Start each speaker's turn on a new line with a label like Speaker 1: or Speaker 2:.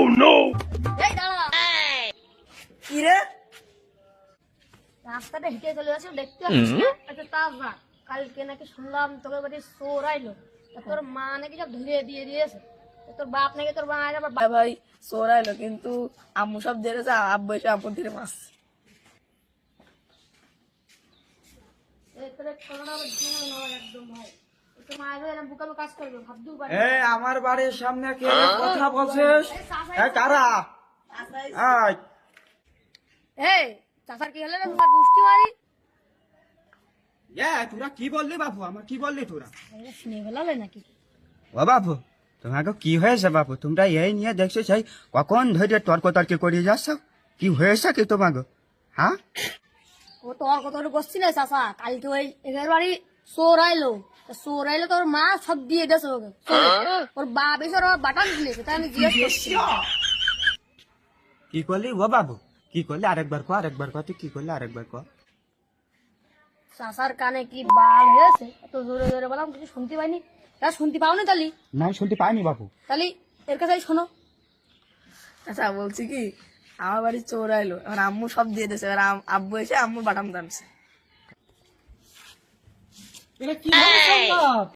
Speaker 1: এই দাঁড়া,
Speaker 2: কি রে?
Speaker 1: রাস্তাটা হেঁটে চলে যাচ্ছে দেখতে পাচ্ছিস না? আচ্ছা তা যা, কালকে নাকি শুনলাম তোকে বাড়ি চোর আইলো, তা তোর মা নাকি সব ধুয়ে দিয়ে দিয়েছে, তা তোর বাপ নাকি তোর মা আবার
Speaker 2: ভাই ভাই চোরাইলো, কিন্তু আম্মু সব ধরেছে, আব্বু এসে আম্মু ধরে মাছ।
Speaker 1: তোর কোনোটা আবার ঝামেলা না হয় একদম ভাই। তোর মা আগে এরকম বুকাবো কাজ করবে ভাবতেও পারি
Speaker 3: এ আমার বাড়ির সামনে কে কথা বলছিস? এ কারা? আয়
Speaker 1: এই চাচার কি হলো রে? চাচার গোষ্ঠী মারি
Speaker 3: তোরা কি বললি বাপু? আমার কি বললি তোরা?
Speaker 1: শুনে ফেলালে নাকি?
Speaker 3: ও বাপু, তোমাকে কি হয়েছে বাপু? তোমরা এই নিয়ে দেখছো সেই কখন ধরে তর্ক করে যাচ্ছ? কি হয়েছে কি তোমাকে? হ্যাঁ,
Speaker 1: ও তো আর কত করছি না চাচা, কালকে ওই এদের বাড়ি চোর আইলো, তা চোর আইলো তোর মা সব দিয়ে গেছে ওকে চোরে। ওর বাপ এসে ওর বাটান দিয়েছে, তাই আমি জিজ্ঞেস করছি।
Speaker 3: কি করলি ও বাবু? কি করলি? আরেকবার কর, তুই কি করলি আরেকবার কর।
Speaker 1: চাচার কানে কি বাল হয়েছে, এত জোরে জোরে বললাম কিছু শুনতে পাইনি। তা শুনতে পাওনি তালি?
Speaker 3: না শুনতে পাইনি বাবু।
Speaker 1: তালি এর কাছে শোনো।
Speaker 2: আচ্ছা বলছি কি, আমার বাড়ি চোর আইলো, এবার আম্মু সব দিয়ে দিয়েছে, এবার আব্বু এসে আম্মু বাটাম টানছে।
Speaker 3: এটা কি হলো সম্ভব?